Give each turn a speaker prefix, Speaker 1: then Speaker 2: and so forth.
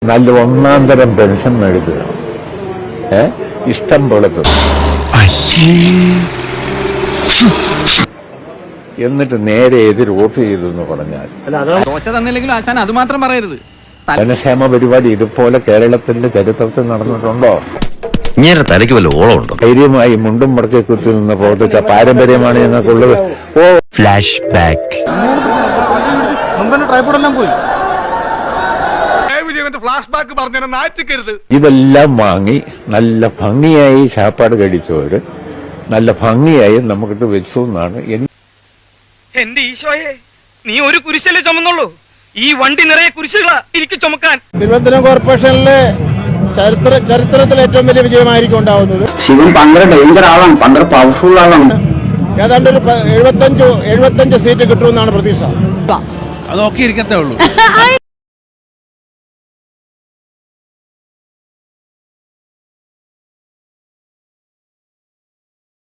Speaker 1: നല്ല ഒന്നാം തരം പെൻഷൻ മേടിക്കുക, ഇഷ്ടം പോലെ എന്നിട്ട് നേരെ എതിർ വോട്ട് ചെയ്തു എന്ന് പറഞ്ഞാൽ
Speaker 2: ദോശ തന്നില്ലെങ്കിലും ആശാൻ അത് മാത്രം പറയരുത്.
Speaker 1: ജനക്ഷേമ പരിപാടി ഇതുപോലെ കേരളത്തിന്റെ ചരിത്രത്തിൽ നടന്നിട്ടുണ്ടോ?
Speaker 3: ഇങ്ങനെ തലയ്ക്ക് വല്ല ഓളമുണ്ടോ?
Speaker 1: ധൈര്യമായി മുണ്ടും മടക്കി കുത്തി നിന്ന് പ്രവർത്തിച്ച പാരമ്പര്യമാണ് ഞങ്ങൾക്കുള്ളത്.
Speaker 3: Flash back.
Speaker 1: ഇതെല്ലാം വാങ്ങി നല്ല ഭംഗിയായി ചാപ്പാട് കഴിച്ചവര് നല്ല ഭംഗിയായി നമുക്കിട്ട് വെച്ചു എന്നാണ്
Speaker 4: എന്റെ ഈശോയെ, നീ ഒരു കുരിശല്ലേ ചുമന്നുള്ളൂ, ഈ വണ്ടി നിറയെ കുരിശുകളാ എനിക്ക് ചുമക്കാൻ.
Speaker 5: തിരുവനന്തപുരം കോർപ്പറേഷനിലെ ചരിത്രത്തിൽ ഏറ്റവും വലിയ വിജയമായിരിക്കും ഉണ്ടാവുന്നത്.
Speaker 6: ശിവൻ ഭയങ്കര ഡേഞ്ചർ ആളാണ്, ഭയങ്കര പവർഫുൾ ആളാണ്.
Speaker 5: ഏതാണ്ട് ഒരു 75 സീറ്റ് കിട്ടുമെന്നാണ് പ്രതീക്ഷ.
Speaker 7: അതൊക്കെ ഇരിക്കത്തേ ഉള്ളൂ.